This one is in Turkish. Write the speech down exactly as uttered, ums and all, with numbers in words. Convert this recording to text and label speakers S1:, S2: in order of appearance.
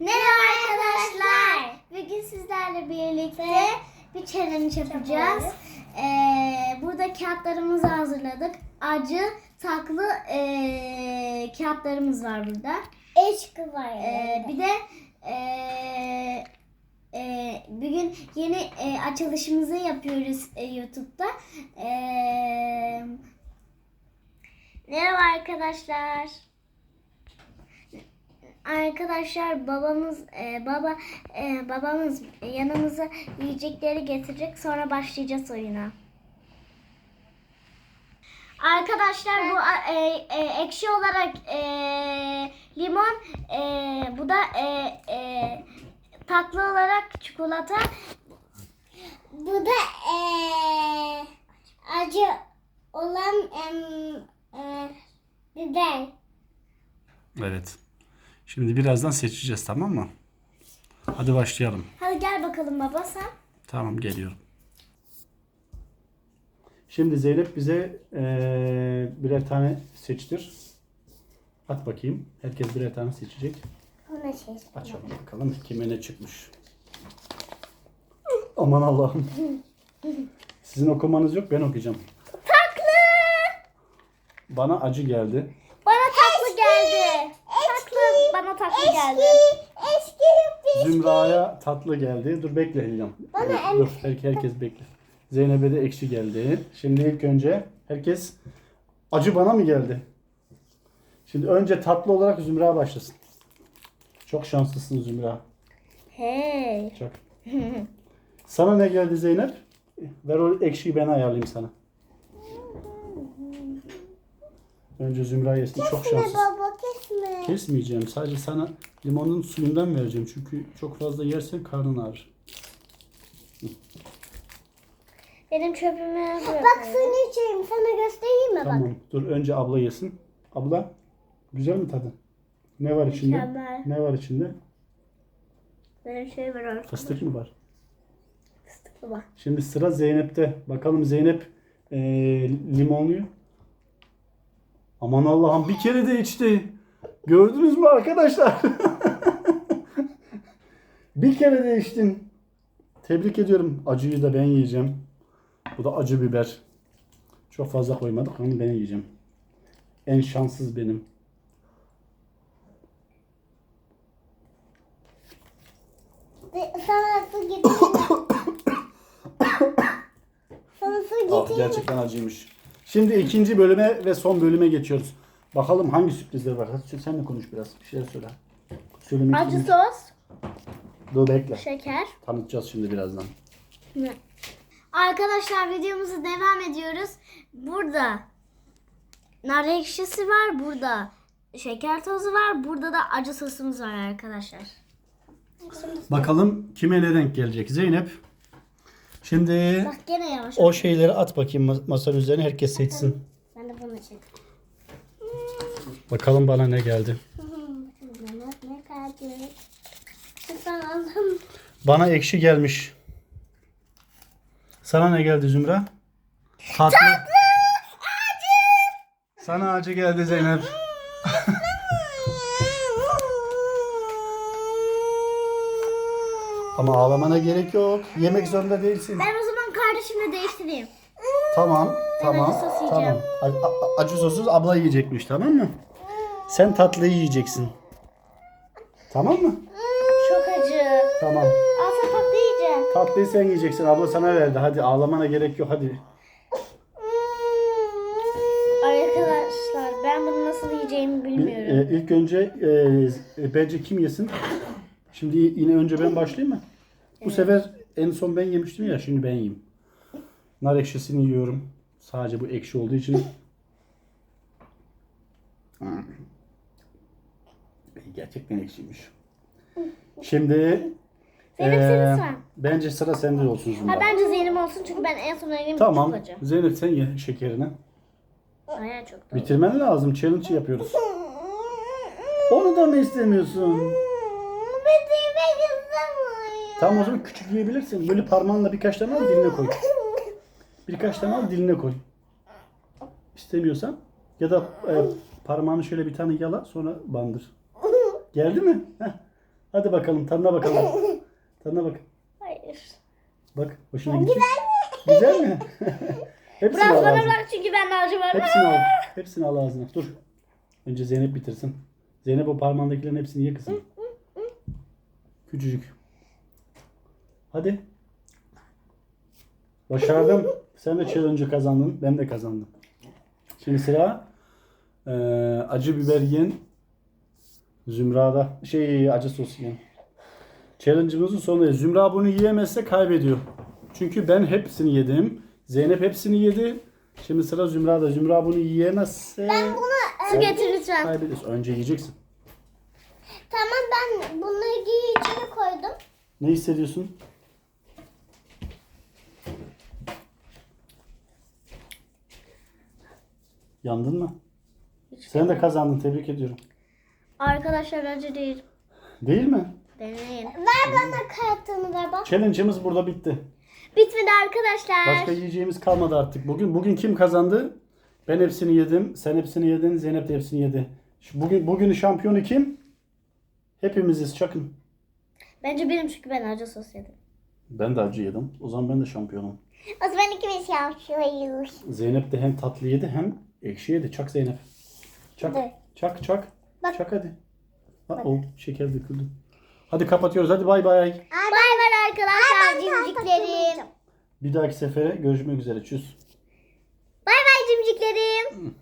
S1: Merhaba arkadaşlar. Bugün sizlerle birlikte bir challenge yapacağız. Ee, burada kağıtlarımızı hazırladık. Acı, tatlı ee, kağıtlarımız var burada.
S2: Eşkı var.
S1: Ee, bir de ee, ee, bugün yeni ee, açılışımızı yapıyoruz ee, YouTube'da. Ee, merhaba arkadaşlar. Arkadaşlar babamız e, baba e, babamız yanımıza yiyecekleri getirecek, sonra başlayacağız oyuna. Arkadaşlar bu e, e, ekşi olarak e, limon, e, bu da e, e, tatlı olarak çikolata.
S2: Bu da eee acı olan em, eee, biber.
S3: Evet. Şimdi birazdan seçeceğiz, tamam mı? Hadi başlayalım.
S1: Hadi gel bakalım baba sen.
S3: Tamam, geliyorum. Şimdi Zeynep bize eee, birer tane seçtir. At bakayım. Herkes birer tane seçecek.
S2: Ona şey.
S3: Açalım bakalım kime ne çıkmış. Aman Allah'ım. Sizin okumanız yok, ben okuyacağım.
S1: Tatlı.
S3: Bana acı geldi.
S1: Bana tatlı geldi. Tatlı bana tatlı geldi.
S2: Eşki.
S3: Zümra'ya tatlı geldi. Dur bekle Hicam.
S2: Bana
S3: Dur her- herkes bekle. Zeynep'e de ekşi geldi. Şimdi ilk önce herkes acı bana mı geldi? Şimdi önce tatlı olarak Zümra başlasın. Çok şanslısın Zümra.
S1: Hey.
S3: Çok. Sana ne geldi Zeynep? Ver o ekşiyi, ben ayarlayayım sana. Önce Zümra yesin. Çok
S2: Kesme
S3: şanslısın.
S2: baba kesme.
S3: Kesmeyeceğim. Sadece sana limonun suyundan vereceğim. Çünkü çok fazla yersen karnın ağrır.
S1: Benim çöpümü bırak.
S2: Bak suyunu içeyim, sana göstereyim mi bak.
S3: Tamam. Dur önce abla yesin. Abla, güzel mi tadı? Ne var içinde?
S1: Mükemmel.
S3: Ne var içinde?
S1: Benim şey var.
S3: Fıstık mı var?
S1: Fıstıklı var.
S3: Şimdi sıra Zeynep'te. Bakalım Zeynep ee, limonluyu. Aman Allah'ım, bir kere de içti. Gördünüz mü arkadaşlar? Bir kere de içtin. Tebrik ediyorum. Acıyı da ben yiyeceğim. Bu da acı biber. Çok fazla koymadık ama ben yiyeceğim. En şanssız benim.
S2: Sana su getireyim. Sana su
S3: Ah,
S2: getireyim.
S3: gerçekten acıymış. Şimdi ikinci bölüme ve son bölüme geçiyoruz. Bakalım hangi sürprizler var. Hadi sen de konuş biraz. Bir şeyler söyle. Söylemek
S1: Acı
S3: istediğin-
S1: sos,
S3: Dur bekle.
S1: şeker.
S3: Tanıtacağız şimdi birazdan.
S1: Arkadaşlar videomuza devam ediyoruz. Burada nar ekşisi var, burada şeker tozu var, burada da acı sosumuz var arkadaşlar.
S3: Bakalım kime ne denk gelecek. Zeynep. Şimdi
S1: Bak gene yavaş.
S3: o şeyleri at bakayım mas- masanın üzerine, herkes seçsin.
S2: Ben de bunu çek.
S3: Bakalım bana ne geldi.
S2: Ne kaldı? Sen aldım.
S3: Bana ekşi gelmiş. Sana ne geldi Zümra? Tatlı. Acı. Sana acı geldi Zeynep. Ama ağlamana gerek yok. Yemek zorunda değilsin.
S1: Ben o zaman kardeşimle değiştireyim.
S3: Tamam, tamam,
S1: acı sos
S3: tamam.
S1: yiyeceğim.
S3: A- a- acı sosuz abla yiyecekmiş, tamam mı? Sen tatlıyı yiyeceksin. Tamam mı?
S1: Çok acı.
S3: Tamam.
S1: Al sen tatlı yiyeceğim.
S3: Tatlıyı sen yiyeceksin. Abla sana verdi. Hadi ağlamana gerek yok. Hadi.
S1: Arkadaşlar ben bunu nasıl yiyeceğimi
S3: Bir,
S1: bilmiyorum.
S3: e, ilk önce e, e, bence kim yesin? Şimdi yine önce ben başlayayım mı? Bu sefer en son ben yemiştim ya. Şimdi ben yiyeyim. Nar ekşisini yiyorum. Sadece bu ekşi olduğu için. Hmm. Gerçekten ekşiymiş. Şimdi
S1: Zeynep
S3: e,
S1: senin sıran.
S3: bence sıra sende olsun Zümra.
S1: Ha, bence Zeynep olsun çünkü ben en son yedim.
S3: Tamam.
S1: Çok acı.
S3: Zeynep sen ye şekerini.
S1: Aya çok da.
S3: Bitirmen lazım. Challenge yapıyoruz. Onu da mı istemiyorsun?
S2: Bitirmek istemiyorum.
S3: Tamam, o zaman küçük yiyebilirsin. Böyle parmağınla birkaç tane al, diline koy. Birkaç tane al, diline koy. İstemiyorsan ya da e, parmağını şöyle bir tane yala, sonra bandır. Geldi mi? Heh. Hadi bakalım tadına bakalım. Tadına bak.
S1: Hayır.
S3: Bak hoşuna gitti. Güzel mi? Hepsini
S1: Biraz
S3: al
S1: bana
S3: ağzına.
S1: bırak çünkü ben acı var.
S3: Hepsini al. Hepsini al ağzına. Dur. Önce Zeynep bitirsin. Zeynep o parmağındakilerin hepsini ye kızım. Küçücük. Hadi. Başardım. Sen de challenge'ı kazandın. Ben de kazandım. Şimdi sıra eee, acı biber yiyen Zümra'da. Şey acı sos yiyen. Challenge'ımızın sonunda Zümra bunu yiyemezse kaybediyor. Çünkü ben hepsini yedim. Zeynep hepsini yedi. Şimdi sıra Zümra'da. Zümra bunu yiyemezse
S1: Su getir lütfen.
S3: kaybediyorsun. Önce yiyeceksin.
S2: Tamam ben bunları giy içine koydum.
S3: Ne hissediyorsun? Yandın mı? Sen de kazandın. Tebrik ediyorum.
S1: Arkadaşlar acı değil.
S3: Değil mi?
S1: Deneyin.
S2: Ver bana kartını ver bak.
S3: Challenge'ımız burada bitti.
S1: Bitmedi arkadaşlar.
S3: Başka yiyeceğimiz kalmadı artık. Bugün bugün kim kazandı? Ben hepsini yedim. Sen hepsini yedin. Zeynep de hepsini yedi. Şu Bugün bugünün şampiyonu kim? Hepimiziz. Çakın.
S1: Bence benim çünkü ben acı sos yedim.
S3: Ben de acı yedim. O zaman ben de şampiyonum.
S2: O zaman ikimiz yapıyoruz.
S3: Zeynep de hem tatlı yedi hem ekşi yedi. Çak Zeynep. Çak.
S2: Hadi.
S3: Çak çak.
S2: Bak.
S3: Çak hadi. Ha, o şeker döküldü. Hadi kapatıyoruz. Hadi bay bay.
S1: Bay bay arkadaşlar cimciklerim.
S3: Bir dahaki sefere görüşmek üzere. Çüz.
S1: Bay bay cimciklerim.